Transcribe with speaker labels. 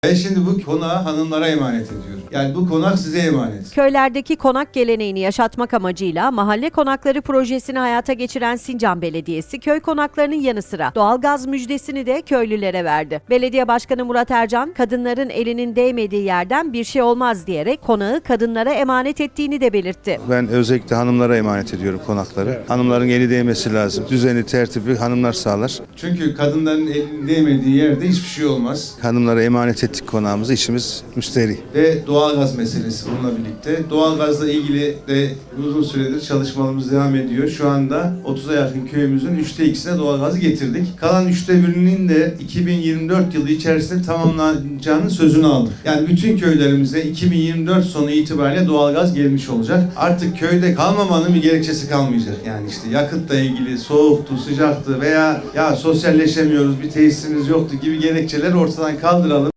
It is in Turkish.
Speaker 1: Ben şimdi bu konağı hanımlara emanet ediyorum. Yani bu konak size emanet.
Speaker 2: Köylerdeki konak geleneğini yaşatmak amacıyla Mahalle Konakları projesini hayata geçiren Sincan Belediyesi, köy konaklarının yanı sıra doğalgaz müjdesini de köylülere verdi. Belediye Başkanı Murat Ercan, kadınların elinin değmediği yerden bir şey olmaz diyerek konağı kadınlara emanet ettiğini de belirtti.
Speaker 3: Ben özellikle hanımlara emanet ediyorum konakları. Hanımların eli değmesi lazım. Düzeni, tertibi hanımlar sağlar.
Speaker 1: Çünkü kadınların elinin değmediği yerde hiçbir şey olmaz.
Speaker 3: Hanımlara emanet ettik konağımızı, işimiz müsterih.
Speaker 1: Ve doğalgaz meselesi bununla birlikte. Doğalgazla ilgili de uzun süredir çalışmalarımız devam ediyor. Şu anda 30'a yakın köyümüzün 3'te 2'sine doğalgazı getirdik. Kalan 3'te 1'inin de 2024 yılı içerisinde tamamlanacağının sözünü aldık. Yani bütün köylerimize 2024 sonu itibariyle doğalgaz gelmiş olacak. Artık köyde kalmamanın bir gerekçesi kalmayacak. Yani işte yakıtla ilgili soğuktu, sıcaktı veya ya sosyalleşemiyoruz, bir tesisimiz yoktu gibi gerekçeleri ortadan kaldıralım.